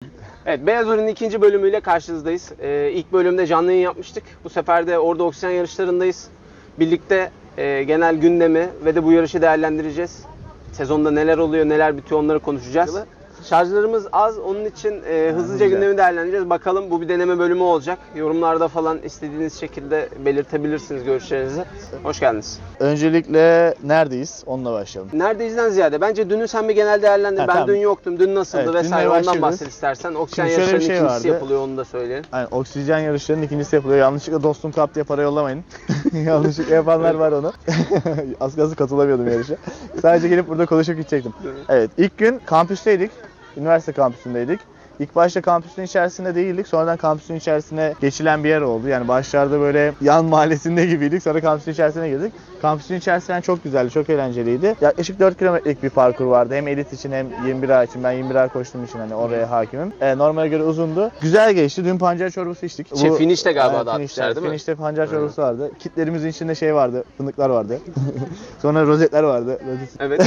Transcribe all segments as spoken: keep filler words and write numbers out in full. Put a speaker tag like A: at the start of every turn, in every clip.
A: Evet, Beyaz Uğur'un ikinci bölümüyle karşınızdayız. Ee, ilk bölümde canlı yayın yapmıştık. Bu sefer de orada oksijen yarışlarındayız. Birlikte e, genel gündemi ve de bu yarışı değerlendireceğiz. Sezonda neler oluyor, neler bitiyor onları konuşacağız. Şarjlarımız az, onun için e, hızlıca
B: güzel.
A: gündemi değerlendireceğiz. Bakalım, bu bir deneme bölümü olacak. Yorumlarda falan istediğiniz şekilde belirtebilirsiniz görüşlerinizi. Hoş geldiniz.
B: Öncelikle neredeyiz? Onunla başlayalım.
A: Neredeyizden ziyade bence dünü sen bir genel değerlendir.
B: Ha,
A: ben
B: tamam.
A: dün yoktum, dün nasıldı
B: Evet,
A: vesaire
B: dünle
A: ondan
B: başlıyoruz.
A: bahset istersen. Oksijen
B: Şimdi şöyle bir
A: yarışlarının
B: şey
A: ikincisi
B: vardı.
A: yapılıyor, onu da söyleyelim.
B: Yani oksijen yarışlarının ikincisi yapılıyor. Yanlışlıkla dostum kap diye para yollamayın. Yanlışlıkla yapanlar var onu. Az kalsın katılamıyordum yarışa. Sadece gelip burada konuşup gidecektim. Evet, ilk gün kampüsteydik. Üniversite kampüsündeydik. İlk başta kampüsün içerisinde değildik. Sonradan kampüsün içerisine geçilen bir yer oldu. Yani başlarda böyle yan mahallesinde gibiydik. Sonra kampüsün içerisine girdik. Kampüsün içerisinden çok güzeldi, çok eğlenceliydi. Yaklaşık dört kilometrelik bir parkur vardı. Hem elit için hem yirmi bir A için. Ben yirmi bir A koştuğum için hani oraya hakimim. E, normale göre uzundu. Güzel geçti. Dün pancar çorbası içtik.
A: Şey, finişte galiba
B: Evet,
A: dağıtmışlar,
B: finişte,
A: değil mi?
B: Finişte pancar çorbası vardı. Kitlerimizin içinde şey vardı. Fındıklar vardı. Sonra rozetler vardı. Rozet...
A: Evet.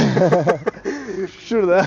B: Şurada.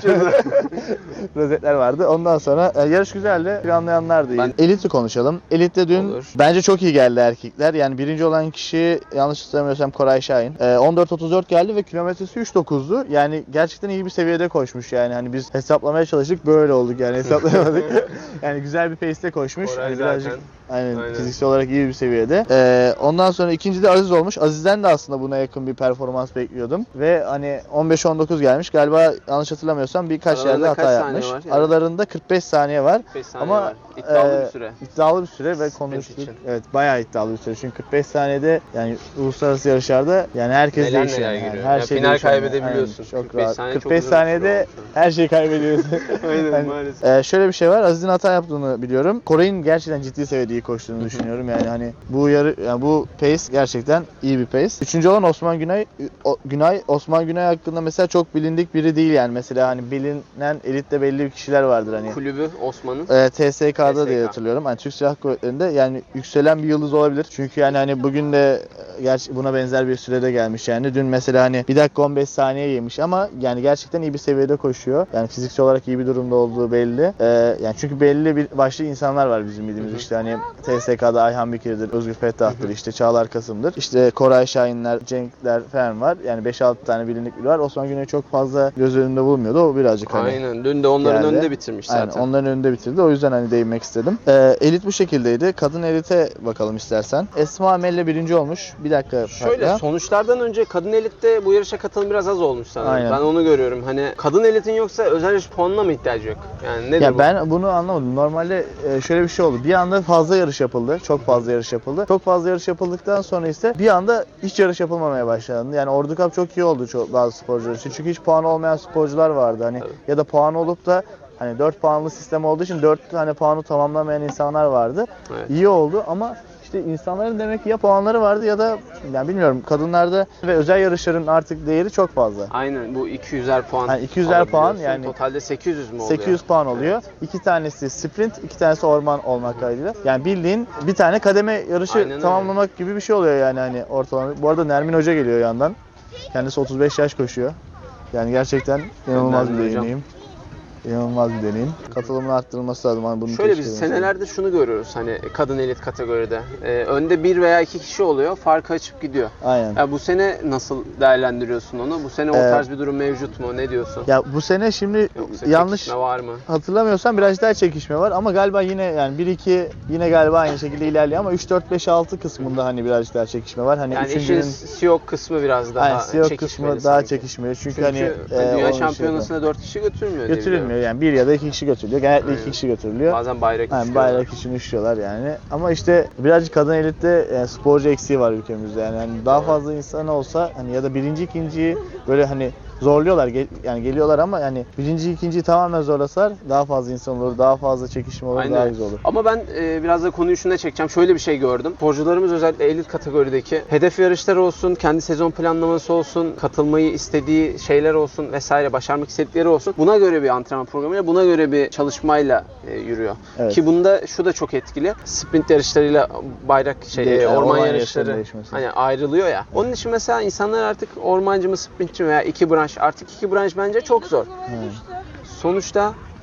B: rozetler vardı. Ondan sonra e, yarış güzeldi. Planlayanlar da iyi.
A: Ben-
B: Elit'i konuşalım. Elit'te dün
A: Olur.
B: bence çok iyi geldi erkekler. Yani birinci olan kişi yanlış hatırlamıyorsam Koray Şahin. E, on dört otuz dört geldi ve kilometresi üç dokuzdu. Yani gerçekten iyi bir seviyede koşmuş yani. Hani biz hesaplamaya çalıştık, böyle olduk yani, hesaplayamadık. Yani güzel bir pace'te koşmuş.
A: Koray
B: Hani
A: zaten.
B: birazcık aynen,
A: Aynen.
B: fiziksel olarak iyi bir seviyede. E, ondan sonra ikinci de Aziz olmuş. Aziz'den de aslında buna yakın bir performans bekliyordum. Ve hani on beş on dokuz gelmiş. Galiba yanlış hatırlamıyorsam birkaç
A: Aralarında
B: yerde
A: kaç
B: hata
A: saniye
B: yapmış.
A: var yani?
B: Aralarında kırk beş saniye var.
A: beş saniye
B: Ama
A: var. İddialı
B: e,
A: bir süre.
B: İddialı bir süre ve
A: Sprint
B: konuştuk.
A: için.
B: Evet, bayağı iddialı bir süre. Çünkü kırk beş saniyede yani uluslararası yarışlarda yani herkes
A: Neler
B: değişiyor.
A: neler
B: yani.
A: giriyor.
B: Her
A: Ya
B: şey
A: final
B: değişiyor yani.
A: kaybedebiliyorsun.
B: Aynen, çok
A: kırk beş
B: rahat.
A: saniye
B: kırk
A: çok
B: beş
A: uzun bir süre
B: saniyede
A: olmuş.
B: her şeyi kaybediyorsun.
A: Aynen,
B: Yani,
A: maalesef.
B: e, şöyle bir şey var. Aziz'in hata yaptığını biliyorum. Koray'ın gerçekten ciddi seviyede iyi koştuğunu düşünüyorum. Yani hani bu yarı yani bu pace gerçekten iyi bir pace. Üçüncü olan Osman Günay. O, Günay Osman Günay hakkında mesela çok bilindik biri değil yani. Mesela hani bilinen elitte belli bir kişiler vardır hani.
A: Kulübü Osman'ın.
B: E, T S K'da
A: T S K.
B: diye hatırlıyorum. Hani Türk Silahlı Kuvvetleri'nde yani yükselen bir yıldız olabilir. Çünkü yani hani bugün de e, gerçi buna benzer bir sürede gelmiş yani. Dün mesela hani bir dakika on beş saniye yemiş ama yani gerçekten iyi bir seviyede koşuyor. Yani fiziksel olarak iyi bir durumda olduğu belli. E, yani çünkü belli bir başlı insanlar var bizim bildiğimiz.
A: Hı hı.
B: İşte hani T S K'da Ayhan Bikir'dir, Özgür Fettah'tır, işte Çağlar Kasım'dır. İşte Koray Şahinler, Cenkler falan var. Yani beş altı tane bilindik biri var. Osman Güney çok fazla göz önünde bulunmuyordu. O birazcık hani
A: Aynen. Dün de onların
B: geldi.
A: önünde bitirmiş zaten.
B: Aynen, onların önünde bitirdi. O yüzden hani değinmek istedim. Ee, elit bu şekildeydi. Kadın elite bakalım istersen. Esma Amelle birinci olmuş. Bir dakika.
A: Şöyle,
B: hatta.
A: sonuçlardan önce kadın elitte bu yarışa katılım biraz az olmuş sanırım.
B: Aynen.
A: Ben onu görüyorum. Hani kadın elitin yoksa özel yarış puanına mı ihtiyacı yok? Yani nedir
B: Ya
A: bu?
B: ben bunu anlamadım. Normalde e, şöyle bir şey oldu. Bir anda fazla yarış yapıldı. Çok fazla yarış yapıldı. Çok fazla yarış yapıldıktan sonra ise bir anda hiç yarış yapılmamaya başlandı. Yani Ordu Cup çok iyi oldu çok, bazı sporcular için. Çünkü hiç puanı olmayan sporcular vardı. Hani
A: Evet.
B: ya da puanı olup da hani dört puanlı sistem olduğu için dört tane puanı tamamlamayan insanlar vardı.
A: Evet.
B: İyi oldu ama işte insanların demek ki ya puanları vardı ya da yani bilmiyorum, kadınlarda ve özel yarışların artık değeri çok fazla.
A: Aynen, bu iki yüzer puan.
B: Yani iki yüzer puan,
A: alabiliyorsun.
B: yani
A: totalde sekiz yüz mü oluyor?
B: sekiz yüz puan oluyor.
A: Evet.
B: İki tanesi sprint, iki tanesi orman olmak kaydıyla. Yani bildiğin bir tane kademe yarışı
A: Aynen öyle.
B: tamamlamak gibi bir şey oluyor yani hani ortalama. Bu arada Nermin Hoca geliyor yandan. Kendisi otuz beş yaş koşuyor. Yani gerçekten inanılmaz bir
A: Nermin hocam.
B: deneyim. İnanılmaz bir deneyim. Katılımın arttırılması lazım. Hani bunu
A: Şöyle biz
B: teşvik ediyorum.
A: senelerde şunu görüyoruz hani kadın elit kategoride. Ee, önde bir veya iki kişi oluyor, farkı açıp gidiyor.
B: Aynen.
A: Ya bu sene nasıl değerlendiriyorsun onu? Bu sene o
B: Ee,
A: tarz bir durum mevcut mu? Ne diyorsun?
B: Ya bu sene şimdi
A: Yoksa
B: yanlış
A: çekişme var mı?
B: hatırlamıyorsam biraz daha çekişme var ama galiba yine yani bir iki yine galiba aynı şekilde ilerliyor ama üç dört beş altı kısmında hani birazcık daha çekişme var. Hani
A: Yani işin
B: üçüncünün
A: Siyok kısmı biraz daha
B: yani C E O
A: çekişmeli
B: kısmı daha
A: sanki.
B: çekişmiyor. Çünkü,
A: Çünkü
B: hani e,
A: Dünya
B: onun
A: Şampiyonası'na dört kişi götürmüyor diye
B: götürülmüyor.
A: biliyorum.
B: Yani bir ya da iki kişi götürülüyor. Genellikle
A: Aynen.
B: iki kişi götürülüyor.
A: Bazen bayrak
B: Yani
A: istiyorlar.
B: bayrak için üşüyorlar yani. Ama işte birazcık kadın elitte yani sporcu eksiği var ülkemizde. Yani hani daha
A: Doğru.
B: fazla insan olsa hani ya da birinci ikinciyi böyle hani zorluyorlar gel- yani geliyorlar ama yani birinci ikinciyi tamamen zorlasalar daha fazla insan olur, daha fazla çekişme olur,
A: Aynen.
B: daha güzel olur.
A: Ama ben e, biraz da konuyu şuna çekeceğim. Şöyle bir şey gördüm. Sporcularımız özellikle elit kategorideki hedef yarışları olsun, kendi sezon planlaması olsun, katılmayı istediği şeyler olsun vesaire, başarmak istedikleri olsun. Buna göre bir antrenman programıyla, buna göre bir çalışmayla e, yürüyor.
B: Evet.
A: Ki bunda şu da çok etkili. Sprint yarışlarıyla bayrak şey
B: De-
A: e,
B: yani
A: orman,
B: orman
A: yarışları
B: yarışlarının değişmesi.
A: hani ayrılıyor ya. Onun için mesela insanlar artık ormancı mı, sprintçi mi veya iki branş, artık iki branş bence çok zor.
B: Evet.
A: Sonuçta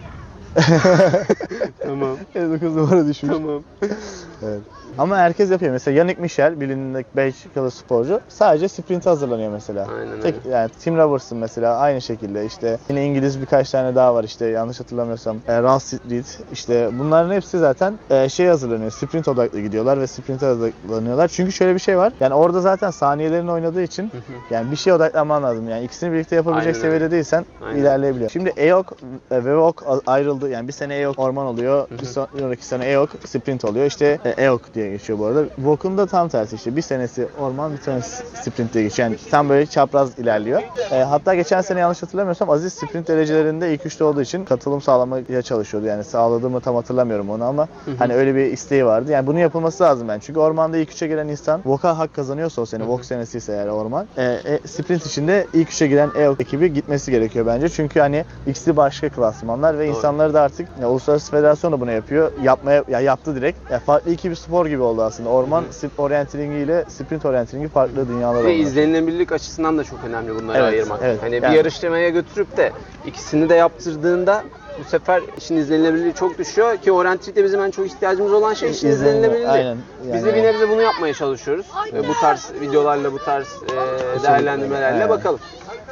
A: Tamam.
B: elli dokuz numara düşmüş.
A: Tamam.
B: Evet. Ama herkes yapıyor. Mesela Yannick Michel, bilindik Belçikalı sporcu, sadece sprint hazırlanıyor mesela.
A: Aynen
B: Tek,
A: öyle.
B: yani Tim Robertson mesela aynı şekilde, işte yine İngiliz birkaç tane daha var, işte yanlış hatırlamıyorsam e, Ross Reed, işte bunların hepsi zaten e, şey hazırlanıyor, sprint odaklı gidiyorlar ve sprint hazırlanıyorlar. Çünkü şöyle bir şey var, yani orada zaten saniyelerini oynadığı için yani bir şeye odaklanman lazım. Yani ikisini birlikte yapabilecek
A: Aynen
B: seviyede
A: öyle.
B: değilsen
A: Aynen.
B: ilerleyebiliyor. Şimdi E O K e, ve E O K ayrıldı. Yani bir sene E O K orman oluyor, bir sonraki sene E O K sprint oluyor. İşte e, E O K diye geçiyor bu arada. V O K'un da tam tersi, işte bir senesi orman, bir senesi sprint diye geçiyor. Yani tam böyle çapraz ilerliyor. E, hatta geçen sene yanlış hatırlamıyorsam Aziz sprint derecelerinde ilk üçte olduğu için katılım sağlamaya çalışıyordu. Yani sağladığımı tam hatırlamıyorum onu ama hani öyle bir isteği vardı. Yani bunun yapılması lazım ben. Çünkü ormanda ilk üçe giren insan V O K'a hak kazanıyorsa o sene, V O K senesi ise eğer orman, e, e, sprint içinde ilk üçe giren E O K ekibi gitmesi gerekiyor bence. Çünkü hani ikisi başka klasmanlar ve
A: Doğru.
B: insanları da artık ya, Uluslararası Federasyon da bunu yapıyor. Yapmaya ya yaptı direkt. Ya farklı iki bir spor gibi oldu aslında. Orman orienteringi ile sprint orienteringi farklı dünyalar
A: Ve
B: oldu.
A: izlenilebilirlik açısından da çok önemli bunları
B: Evet,
A: ayırmak.
B: evet.
A: Hani
B: Yani-
A: bir yarışmaya götürüp de ikisini de yaptırdığında bu sefer işin izlenilebilirliği çok düşüyor ki orientelikte bizim en çok ihtiyacımız olan şey işin
B: İzlenme,
A: izlenilebilirliği.
B: aynen.
A: Biz de
B: Yani-
A: bir nebze bunu yapmaya çalışıyoruz. Ve bu tarz videolarla, bu tarz e, değerlendirmelerle
B: Aynen.
A: bakalım.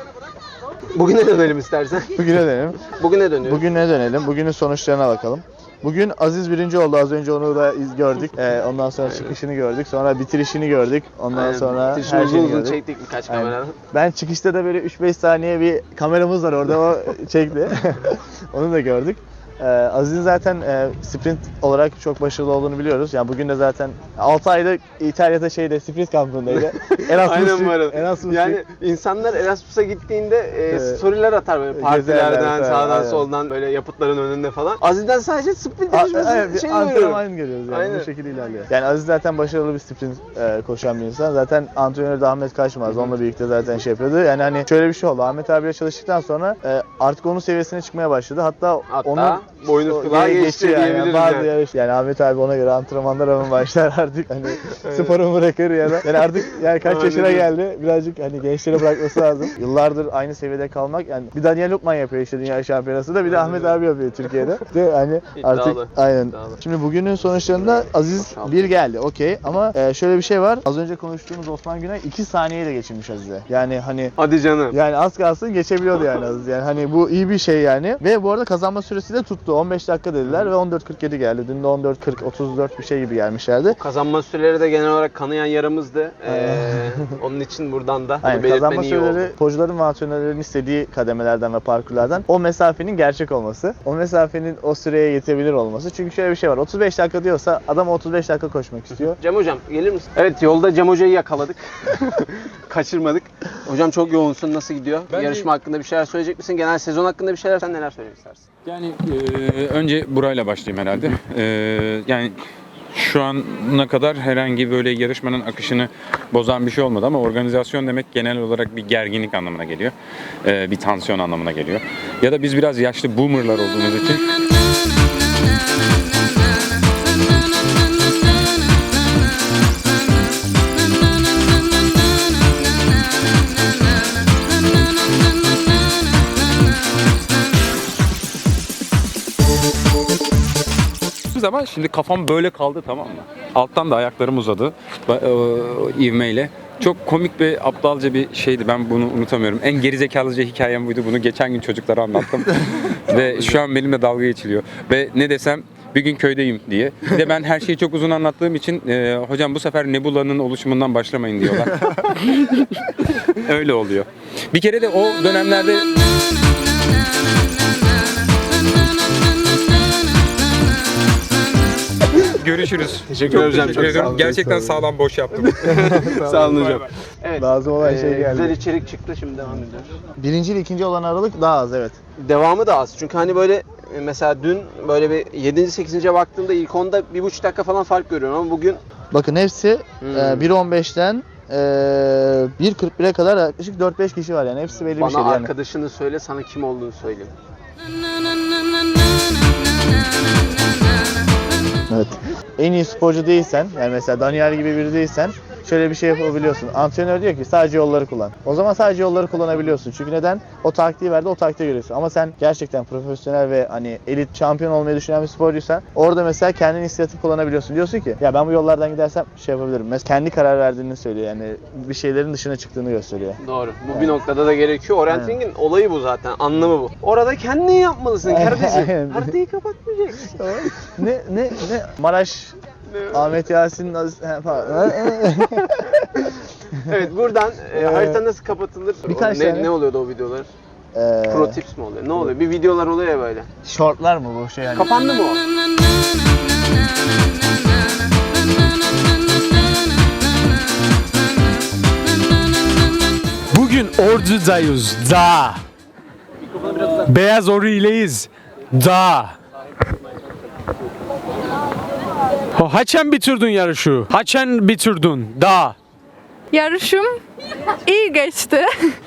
A: Bugüne dönelim istersen.
B: Bugüne dönelim.
A: Bugüne dönüyoruz.
B: Bugüne dönelim. Bugünün sonuçlarına bakalım. Bugün Aziz birinci oldu. Az önce onu da iz gördük. Ee, ondan sonra çıkışını gördük. Sonra bitirişini gördük. Ondan
A: Aynen.
B: sonra
A: Bitirişini
B: her
A: uzun
B: şeyini
A: uzun
B: gördük.
A: çektik birkaç
B: Aynen.
A: kameradan.
B: Ben çıkışta da böyle üç beş saniye bir kameramız var orada, o çekti. Onu da gördük. Ee, Aziz'in zaten e, sprint olarak çok başarılı olduğunu biliyoruz. Yani bugün de zaten altı ayda İtalya'da şeyde sprint kampındaydı. Erasmus,
A: Aynen bu arada.
B: Erasmus
A: Yani insanlar Erasmus'a gittiğinde e,
B: Evet.
A: storyler atar böyle
B: Gezerler,
A: partilerden,
B: evet,
A: sağdan
B: aynen.
A: soldan böyle yapıtların önünde falan. Aziz'den sadece sprint
B: A-
A: yarışması
B: evet, bir
A: şey
B: antrenman
A: görüyorum.
B: görüyoruz yani.
A: Aynen.
B: Bu şekilde ilerliyor. Yani Aziz zaten başarılı bir sprint e, koşan bir insan. Zaten antrenörü de Ahmet Kaçmaz. Onunla birlikte zaten şey yapıyordu. Yani hani şöyle bir şey oldu. Ahmet abiyle çalıştıktan sonra e, artık onun seviyesine çıkmaya başladı. Hatta,
A: Hatta
B: onun
A: boynu
B: o
A: kulağı
B: yere
A: geçti
B: geçiyor
A: diyebiliriz
B: Bazı
A: yani.
B: yarış. Yani Ahmet abi ona göre antrenmanlar hemen başlar artık. Hani sporu bırakır ya da. Yani artık yani kaç
A: Aynen
B: yaşına
A: öyle.
B: geldi. Birazcık hani gençlere bırakması lazım. Yıllardır aynı seviyede kalmak. Yani bir Daniel Lukman yapıyor işte dünya şampiyonası da, bir de Ahmet abi yapıyor Türkiye'de. De hani artık
A: İddialı.
B: aynen.
A: İddialı.
B: Şimdi bugünün sonuçlarında Aziz
A: Maşallah.
B: bir geldi. Okey, ama e, şöyle bir şey var. Az önce konuştuğumuz Osman Günay iki saniyeyle geçirmiş Aziz'e. Yani hani
A: Hadi canım.
B: yani az kalsın geçebiliyordu yani Aziz. Yani hani bu iyi bir şey yani. Ve bu arada kazanma süresi de tuttu. on beş dakika dediler ve on dört kırk yedi geldi. Dün de on dört kırk otuz dört bir şey gibi gelmişlerdi.
A: Kazanma süreleri de genel olarak kanayan yaramızdı. Ee, onun için buradan da bunu
B: Aynen,
A: belirtmen
B: kazanma
A: iyi
B: süreleri
A: oldu.
B: sporcuların ve antrenörlerin istediği kademelerden ve parkurlardan o mesafenin gerçek olması, o mesafenin o süreye yetebilir olması. Çünkü şöyle bir şey var, otuz beş dakika diyorsa adam otuz beş dakika koşmak istiyor.
A: Cem hocam gelir misin? Evet, yolda Cem hocayı yakaladık. Kaçırmadık. Hocam çok yoğunsun. Nasıl gidiyor?
C: Bence-
A: Yarışma hakkında bir şeyler söyleyecek misin? Genel sezon hakkında bir şeyler, sen neler söylemek istersin?
C: Yani e, önce burayla başlayayım herhalde. E, yani şu ana kadar herhangi böyle yarışmanın akışını bozan bir şey olmadı ama organizasyon demek genel olarak bir gerginlik anlamına geliyor. E, bir tansiyon anlamına geliyor. Ya da biz biraz yaşlı boomerlar olduğumuz için ama şimdi kafam böyle kaldı, tamam mı? Alttan da ayaklarım uzadı ba- e, ivmeyle. Çok komik ve aptalca bir şeydi. Ben bunu unutamıyorum. En gerizekalıca hikayem buydu. Bunu geçen gün çocuklara anlattım. Ve şu an benimle dalga geçiliyor. Ve ne desem bir gün köydeyim diye. Bir de ben her şeyi çok uzun anlattığım için e, hocam bu sefer Nebula'nın oluşumundan başlamayın diyorlar. Öyle oluyor. Bir kere de o dönemlerde görüşürüz.
A: Teşekkür ederim.
C: Teşekkür ederim. Gerçekten sağlam boş yaptım.
A: Sağ olun hocam. Evet.
B: Lazım olan şey geldi.
A: Güzel içerik çıktı, şimdi devam ediyoruz.
B: Birinci ile ikinci olan aralık daha az, evet.
A: Devamı da az. Çünkü hani böyle e, mesela dün böyle bir yedinci sekizinci baktığımda ilk onda bir buçuk dakika falan fark görüyorum ama bugün
B: Bakın hepsi
A: Hmm.
B: e, bir on beşten e, bir kırk bire kadar yaklaşık dört beş kişi var yani. Hepsi belli bir
A: bana
B: şey yani.
A: arkadaşını söyle, sana kim olduğunu söyleyeyim.
B: Evet. En iyi sporcu değilsen, yani mesela Daniel gibi biri değilsen, şöyle bir şey yapabiliyorsun. Antrenör diyor ki sadece yolları kullan. O zaman sadece yolları kullanabiliyorsun. Çünkü neden? O taktiği verdi, o taktiği görüyorsun. Ama sen gerçekten profesyonel ve hani elit şampiyon olmayı düşünen bir sporcuysan orada mesela kendin inisiyatif kullanabiliyorsun. Diyorsun ki ya ben bu yollardan gidersem şey yapabilirim. Mesela kendi karar verdiğini söylüyor. Yani bir şeylerin dışına çıktığını gösteriyor.
A: Doğru. Bu bir noktada da gerekiyor. Orienteering'in olayı bu zaten. Anlamı bu. Orada kendin yapmalısın kardeşim.
B: Aynen.
A: Haritayı kapatmayacaksın.
B: ne ne ne Maraş Ahmet Yasin Aziz he, falan.
A: Evet, buradan e, harita nasıl kapatılır?
B: Birkaç
A: ne,
B: tane.
A: ne oluyordu o videolar?
B: Ee,
A: Pro tips mi oluyor? Ne oluyor? Bir videolar oluyor ya böyle.
B: Shortlar mı bu şey yani?
A: Kapandı mı o?
D: Bugün Ordu'dayız. Da. Beyaz Ori'leyiz. Da. Ha, Haçan bitirdin yarışı. Haçan bitirdin. Da.
E: Yarışım iyi geçti.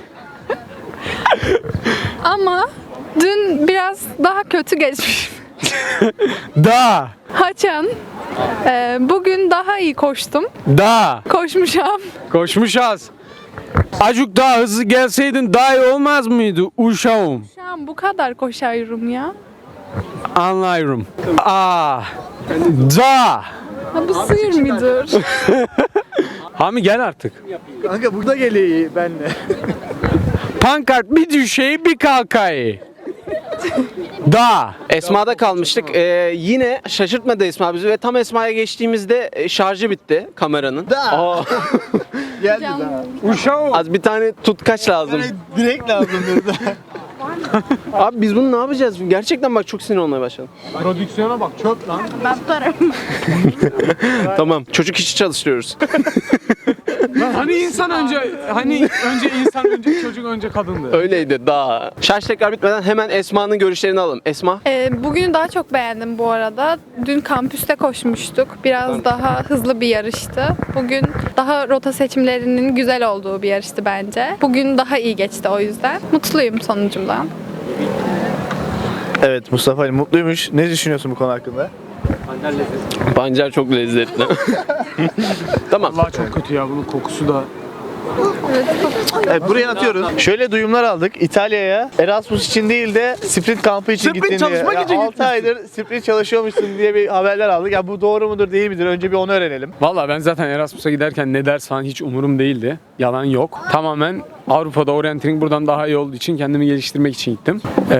E: Ama dün biraz daha kötü geçmiş.
D: Da.
E: Haçan. Ee, bugün daha iyi koştum.
D: Da.
E: Koşmuşam.
D: Koşmuşuz. Acık daha hızlı gelseydin daha iyi olmaz mıydı uşağım?
E: Şu an bu kadar koşuyorum ya.
D: Anlıyorum. Aa. Da.
E: Ha, bu sıyır mıdır?
D: Hami gel artık.
B: Kanka burada geliyor benle.
D: Pankart bir düşeyi bir kalkayı. Da.
A: Esma'da kalmıştık. Ee, yine şaşırtmadı Esma bizi ve tam Esma'ya geçtiğimizde e, şarjı bitti kameranın.
B: Da.
A: Aa,
B: Geldi
E: Canım.
B: daha.
D: Uşağım.
A: az bir tane tutkaç lazım.
B: Direkt lazım dedi.
A: Abi biz bunu ne yapacağız? Gerçekten bak çok sinir olmaya başladım.
D: Prodüksiyona bak çöp lan.
E: Ben tutarım.
A: Tamam. Çocuk işi çalıştırıyoruz.
D: Hani insan önce hani önce insan önce çocuk önce kadındı.
A: Öyleydi daha. Şarj tekrar bitmeden hemen Esma'nın görüşlerini alalım. Esma.
E: Ee, bugünü daha çok beğendim bu arada. Dün kampüste koşmuştuk. Biraz daha hızlı bir yarıştı. Bugün daha rota seçimlerinin güzel olduğu bir yarıştı bence. Bugün daha iyi geçti o yüzden. Mutluyum sonucumdan.
B: Evet Mustafa Ali mutluymuş. Ne düşünüyorsun bu konu hakkında?
A: Pancar çok lezzetli. Tamam.
D: Allah çok kötü ya bunun kokusu da.
B: Evet buraya atıyoruz. Şöyle duyumlar aldık. İtalya'ya Erasmus için değil de sprint kampı için
D: Sprint
B: gittin diye.
D: çalışmak için
B: altı
D: gitmişsin.
B: aydır sprint çalışıyormuşsun diye bir haberler aldık. Ya bu doğru mudur değil midir? Önce bir onu öğrenelim.
D: Valla ben zaten Erasmus'a giderken ne ders falan hiç umurum değildi. Yalan yok. Tamamen Avrupa'da orienteering buradan daha iyi olduğu için kendimi geliştirmek için gittim. Ee,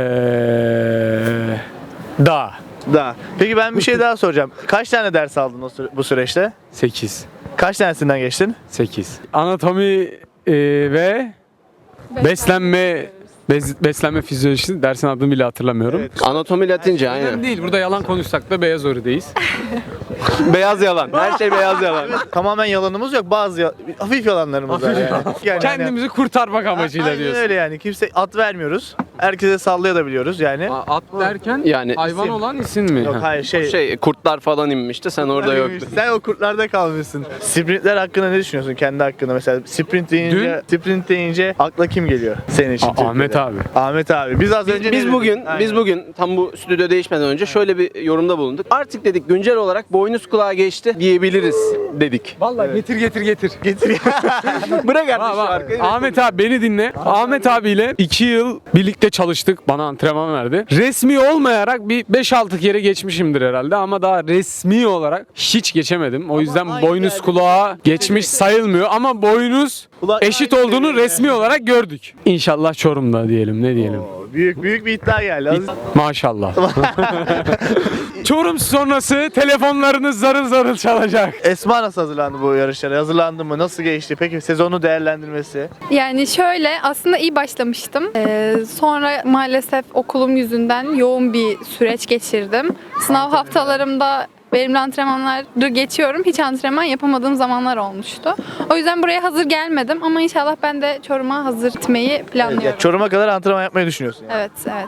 D: da.
B: Da. Peki ben bir şey daha soracağım. Kaç tane ders aldın o süre- bu süreçte?
D: sekiz.
B: Kaç tanesinden geçtin?
D: sekiz. Anatomi e, ve beslenme bez- beslenme fizyolojisi dersin adını bile hatırlamıyorum.
A: Anatomi Latince aynen.
D: Önemli değil. Burada yalan konuşsak da beyaz orideyiz.
A: Beyaz yalan. Her şey beyaz yalan.
B: Tamamen yalanımız yok. Bazı ya- hafif yalanlarımız var yani. Yani
D: Kendimizi kurtarmak amacıyla
B: Aynen
D: diyorsun.
B: öyle yani. Kimse at vermiyoruz. Herkese sallayabiliyoruz yani.
D: At derken
A: Yani
D: hayvan
A: isim.
D: olan isim mi?
B: Yok
D: Ha.
B: hayır şey.
A: Şey kurtlar falan inmişti. Sen orada yoktun.
B: Sen o kurtlarda kalmışsın. Sprintler hakkında ne düşünüyorsun kendi hakkında mesela? Sprint deyince, sprint deyince akla kim geliyor senin için?
D: A- Ahmet
B: Türkiye'de?
D: abi.
B: Ahmet abi. Biz az
A: Biz,
B: önce
A: biz
B: ne
A: bugün
B: dedik? Aynen.
A: biz bugün tam bu stüdyo değişmeden önce şöyle bir yorumda bulunduk. Artık dedik güncel olarak boynuz kulağa geçti diyebiliriz dedik.
D: Vallahi getir getir getir.
B: getir.
A: Bırak artık
D: Bak,
A: şu
D: bak.
A: arkayı.
D: Ahmet abi beni dinle. Ahmet abiyle iki yıl birlikte çalıştık. Bana antrenman verdi. Resmi olmayarak bir beş altı kere geçmişimdir herhalde ama daha resmi olarak hiç geçemedim. O yüzden
B: aynı
D: boynuz
B: yerde-
D: kulağa geçmiş sayılmıyor ama boynuz
B: Kulak
D: eşit
B: aynı
D: olduğunu
B: seviyede.
D: resmi olarak gördük. İnşallah Çorum'da diyelim. Ne diyelim?
B: Oo, büyük büyük bir iddia geldi. Az-
D: Maşallah. Çorum sonrası telefonlarınız zarıl zarıl çalacak.
B: Esma nasıl hazırlandı bu yarışlara? Hazırlandı mı? Nasıl geçti? Peki sezonu değerlendirmesi?
E: Yani şöyle aslında iyi başlamıştım. Ee, sonra maalesef okulum yüzünden yoğun bir süreç geçirdim. Sınav haftalarımda verimli antrenmanları geçiyorum. Hiç antrenman yapamadığım zamanlar olmuştu. O yüzden buraya hazır gelmedim ama inşallah ben de Çorum'a hazır gitmeyi planlıyorum.
B: Ya, Çorum'a kadar antrenman yapmayı düşünüyorsun. Yani.
E: Evet, evet.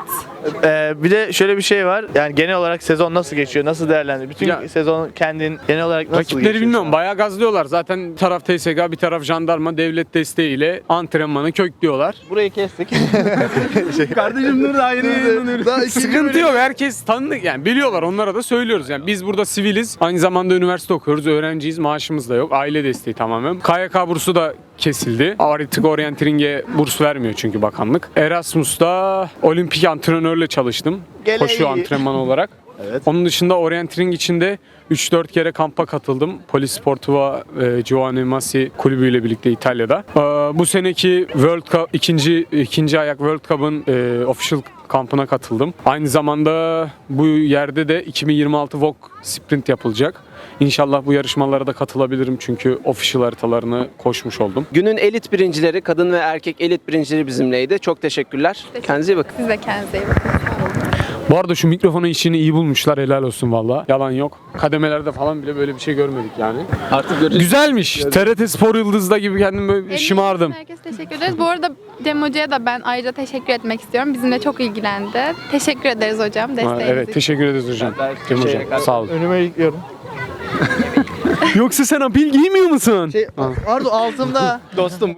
B: Ee, bir de şöyle bir şey var. Yani genel olarak sezon nasıl geçiyor? Nasıl değerlendiriyor? Bütün
D: Ya-
B: sezon kendin genel olarak nasıl
D: Rakipleri
B: geçiyor?
D: bilmiyorum. Bayağı gazlıyorlar. Zaten bir taraf T S K, bir taraf jandarma devlet desteğiyle antrenmanı köklüyorlar.
B: Burayı kestik.
D: Kardeşim dur daha yeni
B: Daha ikinci
D: Sıkıntı
B: bölüm-
D: yok. Herkes tanıdık yani biliyorlar. Onlara da söylüyoruz. Yani biz burada siviliz. Aynı zamanda üniversite okuyoruz. Öğrenciyiz. Maaşımız da yok. Aile desteği tamamen. K Y K bursu da kesildi. Artık orienteering'e burs vermiyor çünkü bakanlık. Erasmus'ta olimpik antrenörle çalıştım.
B: Gele
D: Koşu
B: iyi.
D: antrenmanı olarak.
B: Evet.
D: Onun dışında orienteering içinde üç dört kere kampa katıldım. Polis Sportiva e, Giovanni Massi kulübüyle birlikte İtalya'da. E, bu seneki World Cup ikinci ikinci ayak World Cup'ın e, official kampına katıldım. Aynı zamanda bu yerde de iki bin yirmi altı V O G sprint yapılacak. İnşallah bu yarışmalara da katılabilirim çünkü official haritalarını koşmuş oldum.
A: Günün elit birincileri, kadın ve erkek elit birincileri bizimleydi. Çok teşekkürler. Kendinize iyi bakın.
E: Siz de kendinize iyi bakın.
D: Bu arada şu mikrofonun işini iyi bulmuşlar, helal olsun valla. Yalan yok. Kademelerde falan bile böyle bir şey görmedik yani.
A: Artık göreceğiz.
D: Güzelmiş. T R T Spor Yıldız'da gibi kendim böyle
E: Elinize
D: şımardım.
E: Herkese teşekkür ederiz. Bu arada Cem Hoca'ya da ben ayrıca teşekkür etmek istiyorum. Bizimle çok ilgilendi. Teşekkür ederiz hocam
D: Ha,
E: desteğiniz
D: evet
E: için.
D: teşekkür ederiz hocam.
A: Ben-
D: Cem
A: şey-
D: hocam sağ olun.
B: Önüme yıkıyorum.
D: Yoksa sen apil giymiyor musun?
B: Şey, Ardu altımda.
A: Dostum.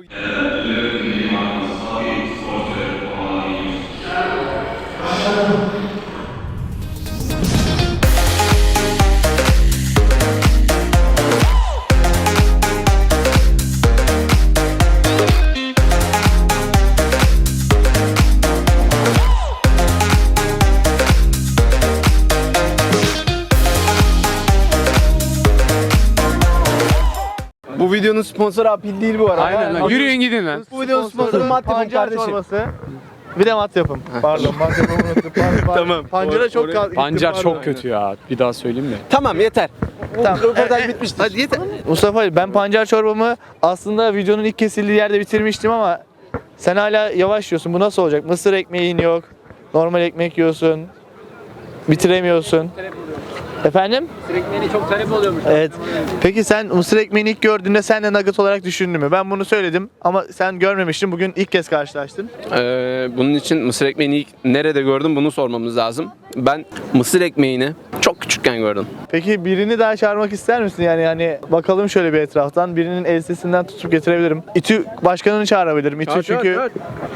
A: Bu videonun sponsoru Apil değil bu arada.
D: Aynen lan. Yürüyün gidin lan.
A: Bu videonun sponsoru Mat Yapım
B: Pancar
A: kardeşim.
B: çorbası. Bir de mat yapım. Pardon, mat yapımı unuttum. Pardon, pardon.
A: Tamam.
B: Pancara çok kal.
D: Pancar
B: Pardon.
D: çok kötü ya. Bir daha söyleyeyim mi?
A: Tamam yeter.
B: Tamam.
A: Röportaj bitmiştir. Hadi yeter.
B: Mustafa Ali, ben pancar çorbamı aslında videonun ilk kesildiği yerde bitirmiştim ama sen hala yavaş yiyorsun. Bu nasıl olacak? Mısır ekmeğin yok. Normal ekmek yiyorsun. Bitiremiyorsun. Efendim?
A: Mısır ekmeğine çok talep oluyormuş.
B: Evet. Peki sen mısır ekmeğini ilk gördüğünde sen de nugget olarak düşündün mü? Ben bunu söyledim ama sen görmemiştin. Bugün ilk kez karşılaştın.
A: Ee, bunun için mısır ekmeğini ilk nerede gördüm bunu sormamız lazım. Ben mısır ekmeğini çok küçükken gördüm.
B: Peki birini daha çağırmak ister misin? Yani hani bakalım şöyle bir etraftan. Birinin elbisesinden tutup getirebilirim. İTÜ başkanını çağırabilirim. İTÜ çünkü...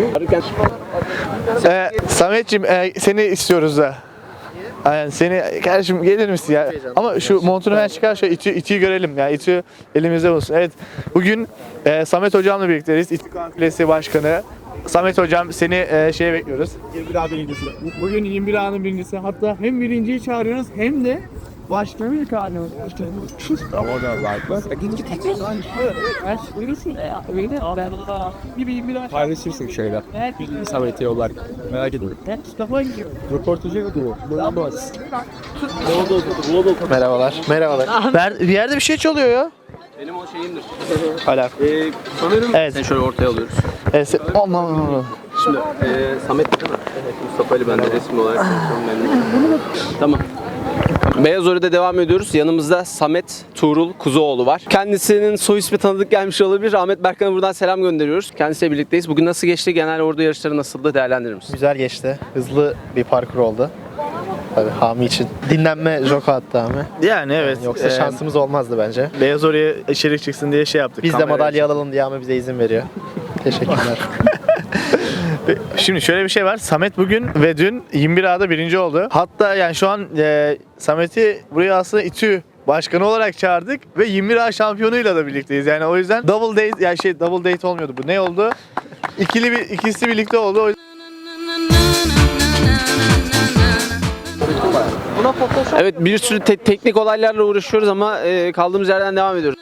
B: Ee, Sametciğim e, seni istiyoruz da. Aynen seni kardeşim gelir misin ya? Ama şu montunu ben çıkar şöyle İTÜ, İTÜ'yü görelim ya. İTÜ elimizde olsun. Evet. Bugün e, Samet hocamla birlikteyiz. İTÜ Konfilesi Başkanı. Samet hocam seni e, şeye bekliyoruz.
F: yirmi bir A birincisi. Bugün yirmi bir A'nın birincisi. Hatta hem birinciyi çağırıyoruz hem de başkanı çağırıyoruz. Paylaşırsın şeyler. Samet'e yollar. Merak etme. Röportajı yapıyor.
B: Merhabalar. Merhabalar. Ver, bir yerde bir şey çalıyor ya.
A: Benim o şeyimdir.
B: Hala.
A: Ee, sanırım
B: Evet.
A: Sen şöyle ortaya alıyoruz.
B: Evet. se- Aman aman aman.
A: Şimdi e, Samet değil mi? Evet. Mustafa Ali ben de resmi olarak tanışıyorum memnunum. Tamam. Beyaz Ori'de devam ediyoruz. Yanımızda Samet Tuğrul Kuzuoğlu var. Kendisinin soy ismi tanıdık gelmiş olabilir. Ahmet Berkan'a buradan selam gönderiyoruz. Kendisiyle birlikteyiz. Bugün nasıl geçti? Genel ordu yarışları nasıldı? Değerlendirir misin?
G: Güzel geçti. Hızlı bir parkur oldu. Tabii Hami için. Dinlenme joka attı Hami.
B: Yani evet.
G: Yoksa
B: e,
G: şansımız olmazdı bence.
B: Beyaz oraya içerik çıksın diye şey yaptık.
G: Biz de
B: Kamerayı
G: madalya alalım diye Hami bize izin veriyor. Teşekkürler.
B: Şimdi şöyle bir şey var. Samet bugün ve dün yirmi bir A'da birinci oldu. Hatta yani şu an e, Samet'i buraya aslında İTÜ başkanı olarak çağırdık ve yirmi bir A şampiyonuyla da birlikteyiz. Yani o yüzden double date yani şey double date olmuyordu bu. Ne oldu? İkili bir ikisi birlikte oldu. O yüzden...
A: Evet bir sürü te- teknik olaylarla uğraşıyoruz ama e, kaldığımız yerden devam ediyoruz.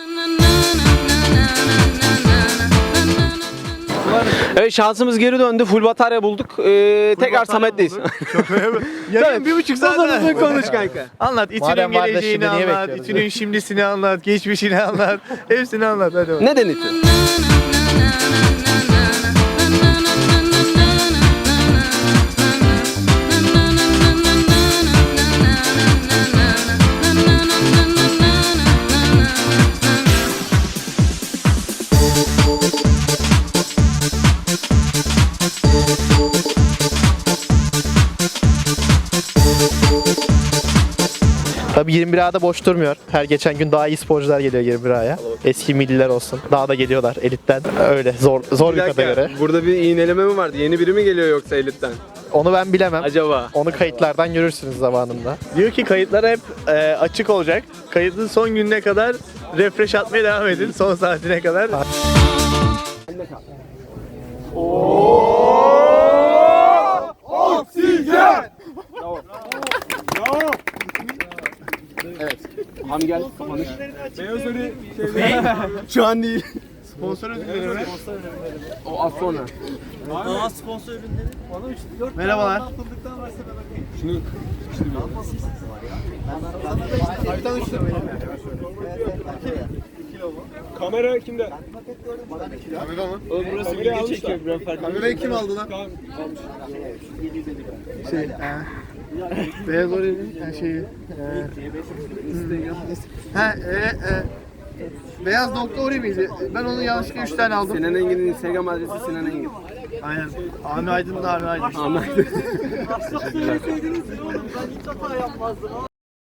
A: Evet şansımız geri döndü. Full batarya bulduk. Ee, tekrar Samet'teyiz.
B: Yarın bir buçuk saat
A: Uzun
B: daha-
A: uzun konuş kanka.
B: Anlat. İTÜ'nün
G: Madem var da
B: geleceğini
G: şimdi niye
B: anlat.
G: bekliyoruz?
B: İTÜ'nün şimdisini anlat. Geçmişini anlat. Hepsini anlat. Hadi bakalım.
A: Neden İTÜ?
G: Tabii yirmi bir A'da boş durmuyor. Her geçen gün daha iyi sporcular geliyor yirmi bir A'ya. Eski milliler olsun. Daha da geliyorlar elitten. Öyle zor zor bir, kategori.
A: Burada bir iğneleme mi vardı? Yeni biri mi geliyor yoksa elitten?
G: Onu ben bilemem.
A: Acaba?
G: Onu kayıtlardan görürsünüz zamanında.
B: Diyor ki kayıtlar hep e, açık olacak. Kayıtın son gününe kadar refresh atmaya devam edin. Son saatine kadar.
A: Hami gel. Konuş.
B: Şu an değil. Sponsor ödülleri mi?
A: O az sonra.
B: Merhabalar.
D: Kamera kimde?
B: Oğlum burası video çekiyor. Kamerayı kim aldı lan? Şey, e, Beyaz Orel'in e, şeyi. E, ha, e, e, Beyaz nokta Ori miydi? Ben onu yanlışlıkla üç tane aldım.
A: Sinan Engin'in Instagram adresi Sinan Engin.
B: Aynen. Ahmet Aydın da Ahmet Aydın.
A: Anladım.